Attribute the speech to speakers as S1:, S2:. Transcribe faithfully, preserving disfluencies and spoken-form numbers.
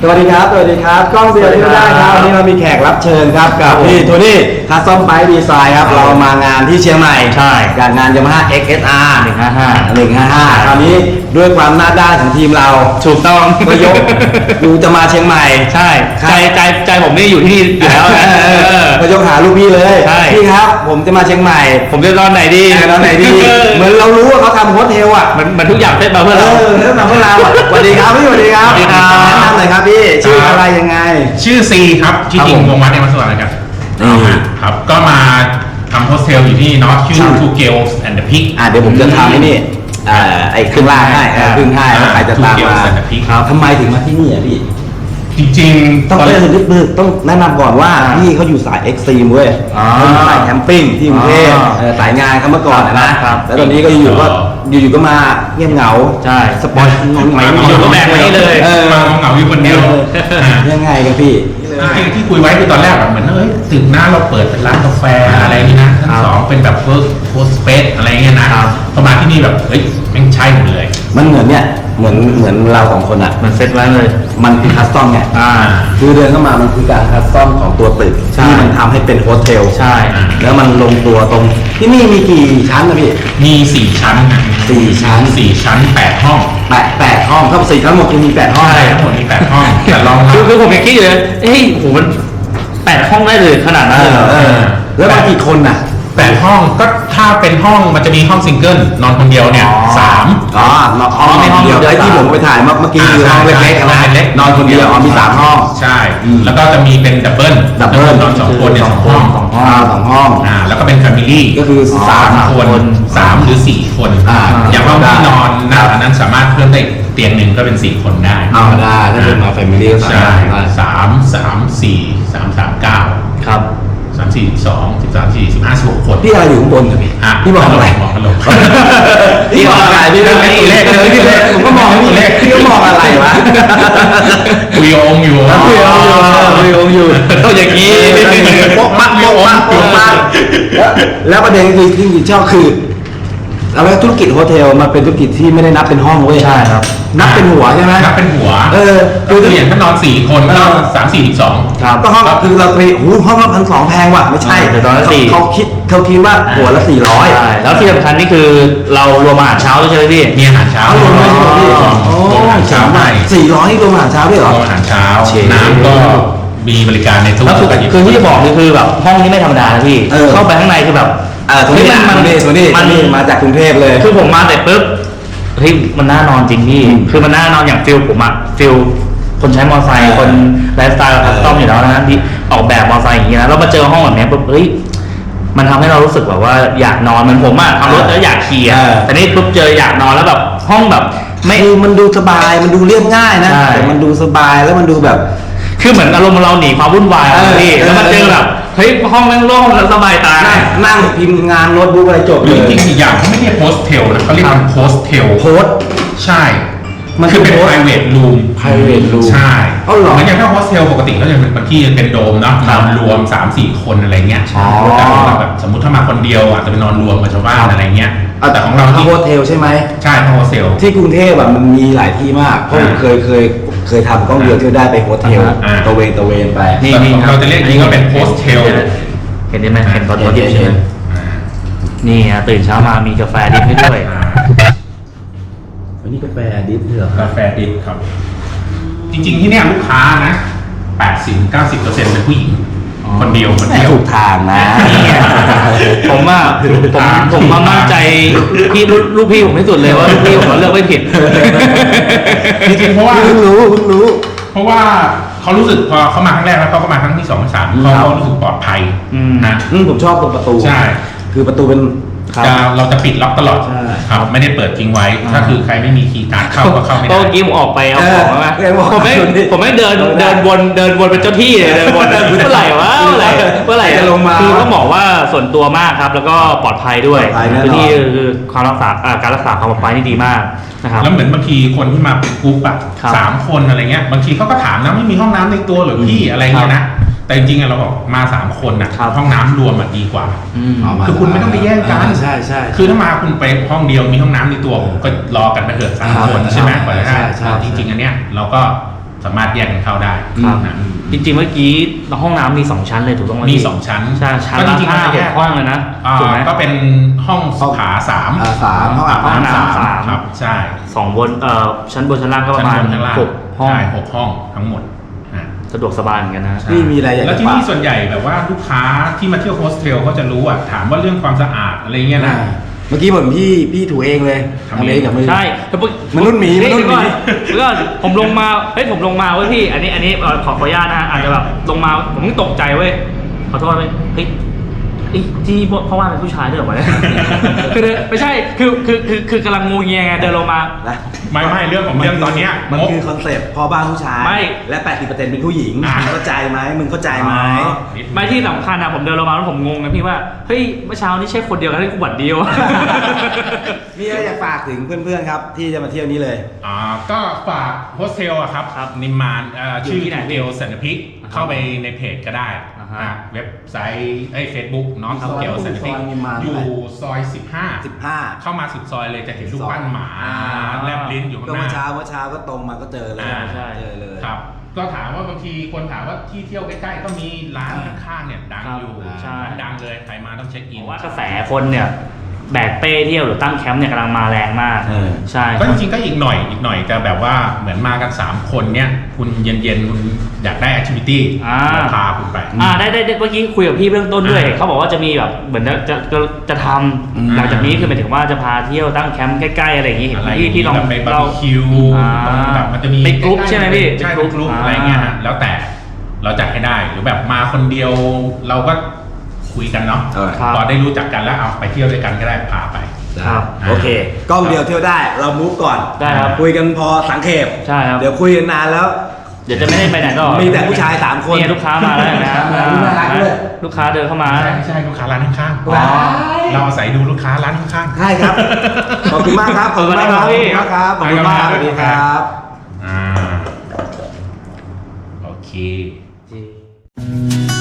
S1: สวัสดีครับสวัสดีครับกล้องเบียร์ที่ได้ครับวันนี้เรามีแขกรับเชิญครับกับพี่โทนี่คัสตอมไบค์ดีไซน์ครับเรามางานที่เชียงใหม่
S2: ใช่
S1: จากงาน Yamaha เอ็กซ์ เอส อาร์
S2: หนึ่งห้าห้า
S1: หนึ่งห้าห้าคราวนี้ด้วยความหน้าด้านของทีมเรา
S2: ถูกต้อง
S1: ก็ยกดูจะมาเชียงใหม่
S2: ใช่ใจใจใจผมนี่อยู่ที่นี่อยู่แล้วนะ
S1: ก็ยกหาลูกพี่เลยพี่ครับผมจะมาเชียงใหม่
S2: ผมจะนอนไหนดี
S1: นอนไหนดีเหมือนเรารู้ว่าเขาทำโฮสเทลอ่ะ
S2: มันมันทุกอย่างเซ็ตมาเพื่อเรา
S1: เซ็ตมาเพื่อเราสวัสดีครับพี่สวัสดีครับ
S2: สวัสดีครับ
S1: แนะนำหน่อยครับพี่ชื่ออะไรยังไง
S3: ชื่อซีครับชื่อจริงวงวัดในมัสวรรค์นะครับครับก็มาทำโฮสเทลอยู่ที่เนาะชื่อ Two Girls and the Pig
S1: อ่าเดี๋ยวผมจะทำให้นี่ไอ้เครื่องล่างให้เครื่องให้ใครจะตามมาทำไมถึงมาที่นี่อ่ะพี่
S3: จริงๆ
S1: ต้องเริ่มลึกๆต้องแนะนำก่อนว่าพี่เขาอยู่สายเอ็กซ์ตรีมเว้ยเขาอยู่สายแคมปิ้งที่กรุงเทพสายงานเขาเมื่อก่อนนะแล้วตอนนี้ก็อยู่ก็อยู่ๆก็มาเงียบเหงา
S2: ใช่
S1: สปอยงงไหม
S2: อยู่ก็แบบนี้เลย
S3: มาเหงาอยู่คนเดียว
S1: ยังไงกันพี่
S3: ที่คุยไว้คือตอนแรกแบบเหมือนเอ้ยถึงหน้าเราเปิดเป็นร้านกาแฟอะไรนี่นะชั้นสองเป็นแบบเวิร์กโฮสเปซอะไรเงี้ยนะพอมาที่นี่แบบเฮ้ยแม่งใช่หมดเลย
S1: มันเหมือนเนี่ยเหมือนเหมือนเราสองคนอ่ะ
S2: มันเซ็ตไว้เลย
S1: มันคือคัสตอมไงคือเดินเข้ามามันคือการคัสตอมของตัวตึกที่มันทำให้เป็นโฮสเทล
S2: ใช่
S1: แล้วมันลงตัวตรงที่นี่มีกี่ชั้นนะพี่
S3: มีสี่ชั้น
S1: สี่ชั้น
S3: สี่ชั้นแปดห้อง
S1: แปดแปดห้องทั้งสี่ทั้งหมดคือมีแปดห้อง
S3: ใช่ทั้งหมดมีแปดห้องแต่ลอง
S2: คือคือผมยังคิดอยู่เลยเฮ้ยโหมันแปดห้องได้เลยขนาดนั้นเลย
S1: แล้วมากี่คนน่ะ
S3: แปดห้องก็ถ้าเป็นห้องมันจะมีห้องซิงเกิลนอนคนเดียวเนี่ยสาม
S1: อ๋อห้องเดียวไอ้ที่ผมไปถ่ายเมื่อกี้คือห้องเล็กๆนะนอนคนเดียวอ๋อมีสามห้อง
S3: ใช่แล้วก็จะมีเป็นดับเบิล
S1: ดับเบิล
S3: นอนสองคนเนี่ยสองห้อง
S1: สองห้องสองห้อง
S3: อ่าแล้วก็เป็นแฟมิลี่
S1: ก็คือ
S3: สามคนสามหรือสี่คนอย่างห้องที่นอนนะอันนั้นสามารถเพิ่มได้เตียงหนึ่งก็เป็นสี่คนได้
S1: อ๋อได้ถ้าเป็นมาแฟมิลี่ก็สาม
S3: สามสามสี่สามสามเก้า
S2: ครับ
S3: สามสี่สองสิบสามสี่สิบห้าสิบหกคน
S1: พี่อะไรอยู่ข้างบนเหรอพี่
S3: พี่
S1: มองอะไร
S3: มองกันลง
S1: พี่มองอะไรพี่เรื่องตัวเลขเลยพี่เลขผมก็มองตัวเลขพี่ก็มองอะไรวะ
S3: คุยองอยู่
S1: คุยองอยู่คุยองอยู่
S2: ต้องอย่างนี้
S1: โป๊ะมัดโป๊ะมัดโป๊ะมัดแล้วประเด็นคือที่ชอบคือแล้วธุรกิจโฮเทลมันเป็นธุรกิจที่ไม่ได้นับเป็นห้องเว้ย
S2: ใช่ครับ
S1: นับเป็นหัวใช่ไหม
S3: นับเป็นหัว
S1: เออ
S3: คืออย่างถ้านอนสี่คนก็สามสี่สิบสอง
S1: ครับก็ห้องคือเราไปโอ้ห้องละพันสองแพงว่ะไม่ใช่เขาคิดเขาคิดว่าหัวละสี่ร้อย
S2: ใช่แล้วที่สำคัญนี่คือเรารวมอาหารเช้าด้วยใช่ไหมพี่
S3: มีอาหารเช้าร
S1: วมด้วยใช่ไหมพี่
S3: โอ้เช้าใหม่
S1: สี่ร้อยรวมอาหารเช้าด้วยเหรอ
S3: อาหารเช้าน้ำก็มีบริการในทุก
S2: คือที่จะบอกนี่คือแบบห้องนี้ไม่ธรรมดานะพี่เข้าไปข้างในคือแบบ
S1: เออตรงนี้มันนี่ตรงนี้มันมาจากกรุงเทพเลย
S2: คือผมมาแต่ปุ๊บเฮ้ยมันน่านอนจริงพี่คือมันน่านอนอย่างฟิลผมอะฟิลคนใช้มอเตอร์ไซค์คนไลฟ์สไตล์คัสตอมอยู่แล้วนะที่ออกแบบมอเตอร์ไซค์อย่างนี้นะแล้วมาเจอห้องแบบนี้ปุ๊บเฮ้ยมันทำให้เรารู้สึกแบบว่าอยากนอนมันผมอะทำรถแล้วอยากขี่อะแต่นี่ปุ๊บเจออยากนอนแล้วแบบห้องแบบ
S1: ไม่มันดูสบายมันดูเรียบง่ายนะแต่มันดูสบายแล้วมันดูแบบ
S2: คือเหมือนอารมณ์เราหนีความวุ่นวายพี่แล้วมาเจอแบบเฮ้ยห้องแม่งโล่งแล้วสบายตา
S1: นั่งพิมพ์งานโน้ตบุ๊กอะไรจบ
S3: เลยจริงๆอีกอย่างเขาไม่เรียกโฮสเทลนะเขาเรียกว่าโฮสเทล
S1: โฮส
S3: ใช่มันคือเป็น private room
S1: private room
S3: ใช่เหมือนอย่างถ้าโฮสเทลปกติก็จะเป็นบางที่เป็นโดมเนาะนอนรวม สามสี่ คนอะไรเงี้ยแต่แบบสมมติถ้ามาคนเดียวอาจจะไปนอนรวมกับชาวบ้านอะไรเงี้ย
S1: แต่ของเราที่โฮสเทลใช่ไหม
S3: ใช่โฮสเทล
S1: ที่กรุงเทพแบบมันมีหลายที่มากเพราะผมเคยเคยเคยทำกล้องเดียวที่ได้ไปโฮสเทลตะเวนตะเวนไป
S3: นี่เราจะเรียกนี้ก็เป็นโฮสเทล
S2: เห็นได้ไหมเห็นตอนดิบใช่ไหมนี่อ่ะตื่นเช้ามามีกาแฟดิบให้ด้วย
S1: วันนี้กาแฟดิบเหร
S3: อกาแฟดิบครับจริงๆที่เนี่ยลูกค้านะ แปดสิบถึงเก้าสิบเปอร์เซ็นต์ เป็นผู้หญิงคนเดียวคนเดียว
S1: ถูกทางนะ
S2: ผมว่าผมผมมามั่นใจพี่ลูกพี่ผมที่สุดเลยว่าลูกพี่ผมเลือกไม่ผิด
S3: จริงๆเพราะว่า
S1: เพิ่งรู้เพิ่งรู้
S3: เพราะว่าเขารู้สึกพอเขามาครั้งแรกแล้วเขาก็มาครั้งที่สองที่สามเขารู้สึกปลอดภัยนะ
S1: ผมชอบตรงประตู
S3: ใช่
S1: คือประตูเป็น
S3: เราจะปิดล็อกตลอดครับไม่ได้เปิดทิ้งไว้ถ้าคือใครไม่มีคีย์การ์ดเข้าก็เข้าไม่ได้
S2: ก็กิ้มออกไปเอาของมาผมไม่ผมไม่เดินเดินวนเดินวนเป็นเจ้าที่เลยเดินวนเมื่อไหร่วะเมื่อไหร่เมื่อไหร่จะลงมาคือต้องบอกว่าส่วนตัวมากครับแล้วก็ปลอดภัยด้วยคือที่คือความรักษาการรักษาความปลอดภัยนี่ดีมากนะครับ
S3: แล้วเหมือนบางทีคนที่มาเป็นกรุ๊ปอะสามคนอะไรเงี้ยบางทีเขาก็ถามนะไม่มีห้องน้ำในตัวหรือพี่อะไรเงี้ยนะแต่จริงๆเราบอกมาสามคนนะห้องน้ำรวมอ่ะดีกว่าคือคุณไม่ต้องไปแย่งกัน
S1: ใช่ใช่
S3: คือถ้ามาคุณไปห้องเดียวมีห้องน้ำในตัวก็รอกันไปเถอะสามคนใช่ไหมก่อนนะจริงๆอันเนี้ยเราก็สามารถแยกกันเข้าได้
S2: ครับ
S3: นะ
S2: จริงๆเมื่อกี้ห้องน้ำมีสองชั้นเลยถูกต้องไหม
S3: มี
S2: พี่
S3: สองชั้น
S2: ใช่ชั้น
S3: ก็
S2: ละ
S3: จริงๆ
S2: ห้า
S3: มัน
S2: ห
S3: แย
S2: ก
S3: ก
S2: ห้องเลยนะ
S3: อ่า
S2: ถูกไหม
S3: ก็เป็นห้องสุขาสาม
S1: อ่าสามห้องอาบ
S2: ห้อง
S1: น้ำ
S2: น้ำ
S1: สาม
S2: สาม
S3: ครับใช่
S2: สองบนเอ่อชั้นบนชั้นล่างก็ประมาณ
S3: ชั้นบนชั้นล่าง
S2: หกห้อง
S3: ใช่หกห้องทั้งหมดอ่ะ
S2: สะดวกสบายเหมือนกันนะ
S1: พี่มีอะไรอยากจะ
S3: แล้วที่นี่
S1: ฝาก
S3: ส่วนใหญ่แบบว่าลูกค้าที่มาเที่ยวโฮสเทลเขาจะรู้อ่ะถามว่าเรื่องความสะอาดอะไรเงี้ยนะ
S1: อ่าเมื่อกี้ผมพี่พี่ถูเองเลย
S3: ทำ
S1: ทำ
S3: เอง
S1: เองกับมือ
S2: ใช่แต่ปุ๊บ
S1: มนุษย์หมี
S2: เฮ้ย
S1: มนุษย์หมี
S2: เดี๋ยวก่อนเดี๋ยวก่อนผมลงมาเฮ้ยผมลงมาเว้ยพี่ อันนี้อันนี้เอ่อขอขออนุญาตนะฮะอาจจะแบบลงมาผมก็ตกใจเว้ยขอโทษเว้ยเฮ้ยเอ้ยที่เพราะว่าเป็นผู้ชายด้วยเหรอวะเนี่ย คือเดินไม่ใช่คือคือคือคือกำลังงูเงียไงเดินลงมา
S1: นะ
S3: ไม่ไม่เรื่องของเรื่องตอนเนี้ย
S1: มัน
S3: งบ
S1: คือคอนเซ็ปต์พ่อบ้านผู้ชาย
S2: ไม่
S1: และ แปดสิบเปอร์เซ็นต์ เป็นผู้หญิง
S3: อ่า
S1: มึงเข้าใจไหมมึงเข้าใจไหม
S3: นิดนึง
S2: ไม่ที่สำคัญอะผมเดินลงมาแล้วผมงงนะพี่ว่าเฮ้ยเมื่อเช้านี่ใช่คนเดียวกันที่กูบัดเดียว
S1: มีอะไรอยากฝากถึงเพื่อนๆครับ ที่จะมาเที่ยวนี้เลย
S3: อ่าก็ฝากโฮสเทลอะครับ
S2: ครับ
S3: นิมมานเอ่อ
S2: อยู่
S3: ชื่อ
S2: ที่ไหน
S3: เทลสันนพิก
S2: อ่าฮะ
S3: เข้าไปในเพจก็ได้
S2: อ่าฮะ
S3: อ่ะเว็บไซต์ไอ้เฟซบุ๊กน้อง
S1: ครับ
S3: เทลสันนพิก
S1: ซอยนิมมาน
S3: อยู่ซอยสิบห้า
S1: สิบห้า
S3: เข้ามาสุดซอยเลยจะเห็นรูปปั้นหมา
S1: อ่า
S3: แลบลิ้นอยู่ข้าง
S1: ก็
S3: ห
S1: เมื่อ
S3: น้า
S1: เช้าเมื่อเช้าก็ตรงมาก็เจอเลย
S3: อ่า
S2: ใช่
S1: เจอเลย
S3: ครับ ก็ถามว่าบางทีคนถามว่าที่เที่ยวใกล้ๆก็มีร้านข้างๆเนี่ยดัง
S2: ครับ
S3: อยู่
S2: ใช่
S3: ดังเลยใครมาต้องเช็คอิ
S2: ผ
S3: น
S2: มว่ากระแสคนเนี่ยแบกเป้เที่ยวหรือตั้งแคมป์เนี่ยกำลังมาแรงมาก
S1: เออ
S2: ใช่
S3: ก็จริงๆก็อีกหน่อยอีกหน่อยจะแบบว่าเหมือนมากันสามคนเนี่ยคุณเย็นๆคุณอยากได้แอคทิวิตี้
S2: อ่า
S3: เราพาคุณไป
S2: อ่าได้ได้ได้เมื่อกี้คุยกับพี่เบื้องต้นด้วย
S3: อ่า
S2: เขาบอกว่าจะมีแบบเหมือนจะจะจะจะท
S1: อืม
S2: ำหลังจากนี้คือหมายถึงว่าจะพาเที่ยวตั้งแคมป์ใกล้ๆอะไรอย่างงี้เห็น
S3: อะไร
S2: พี่พี่ลอง
S3: แบบไปบาร์
S2: เรา
S3: บีคิว
S2: อ่า
S3: ตรงแบบมันจะมี
S2: เป็นกรุ๊ป
S3: ใล้ๆ
S2: ใช่ไหมพี่
S3: ใช่
S2: เป็น
S3: เป็น
S2: ก
S3: ก
S2: รุ๊
S3: รุ๊
S2: ป
S3: ป
S2: อ่า
S3: อะไรเงี้ยฮะแล้วแต่เราจัดให้ได้หรือแบบมาคนเดียวเราก็คุยกันเนาะ
S1: เออ
S2: ครับ
S3: พอได้รู้จักกันแล้วเอาไปเที่ยวด้วยกันก็ได้พาไป
S2: ครับ
S1: โอเค กล้องเดียวเที่ยวได้ เรามูฟก่อน
S2: ได้ครับ
S1: คุยกันพอสังเขป
S2: ใช่ครับ
S1: เดี๋ยวคุยกันนานแล้ว
S2: เดี๋ยวจะไม่ได้ไปไหนต่อ
S1: มีแต่ผู้ชายสามคน
S2: นี่ลูกค้ามาแล้วนะ
S1: น่ารักด้วย
S2: ลูกค้าเดินเข้ามา
S3: ใช่ใช่ลูกค้าร้านข้าง
S1: ว้าย
S3: ๆเราอาศัยดูลูกค้าร้านข้างๆ
S1: ใช่ครับ ขอบคุณมากครับ ขอบคุณมากครับ
S2: ขอบคุณครับ
S1: ขอบคุณมากครับ ขอบคุณมากครับ
S3: อ่าโอเค
S2: จริง